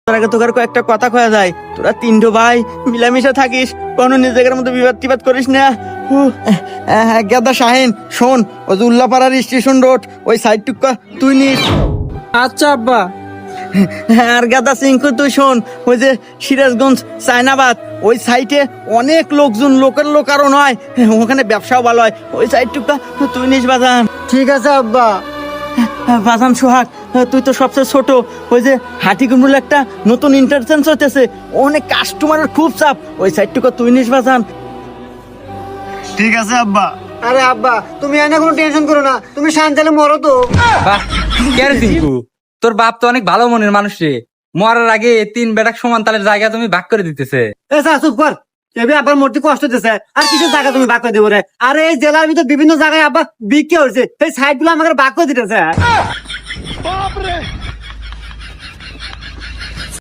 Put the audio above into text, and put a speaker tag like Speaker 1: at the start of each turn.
Speaker 1: তোর আগে তোকে কয়েকটা কথা কয়া যায়। তোরা তিনটো ভাই মিলামিশা থাকিস, কোনো নিজেদের মধ্যে বিবাদ টিবাদ করিস না। গেদা শাহিন শোন, ওই যে উল্লাপাড়ার স্টেশন রোড ওই সাইড টুকা তুই নিস।
Speaker 2: আচ্ছা আব্বা।
Speaker 1: আর গাদা সিংকু তুই শোন, ওই যে সিরাজগঞ্জ চায়নাবাদ ওই সাইটে অনেক লোকজন, লোকের লোক আরো নয়, ওখানে ব্যবসাও ভালো হয়, ওই সাইড টুকা তুই নিস বাজান।
Speaker 2: ঠিক আছে আব্বা।
Speaker 1: বাজান সোহাগ, তুই তো সবচেয়ে ছোট, ওই যে হাটিকুমরুল একটা নতুন ইন্টারচেঞ্জ হতেছে, অনেক কাস্টমারের খুব চাপ, ওই সাইডটুকু তুই নিস বাজান।
Speaker 2: ঠিক আছে আব্বা। আরে আব্বা তুমি এনে কোনো টেনশন করো না, তুমি শান্তালে মরো তো।
Speaker 3: বাহ, কে রে টিঙ্কু, তোর বাপ তো অনেক ভালো মনের মানুষ রে। মরার আগে তিন বেটাক সমান তালের জায়গা তুমি ভাগ করে দিতেছে।
Speaker 2: এ স্যার চুপ কর, এবি আব্বার মরতে কষ্ট দিতেছে, আর কিসের জায়গা তুমি ভাগ করে দেবো রে? আরে এই জেলার ভিতর বিভিন্ন জায়গায় আব্বা বিক্রি হয়েছে, এই সাইড গুলো আমাকে ভাগ করে দিতেছে।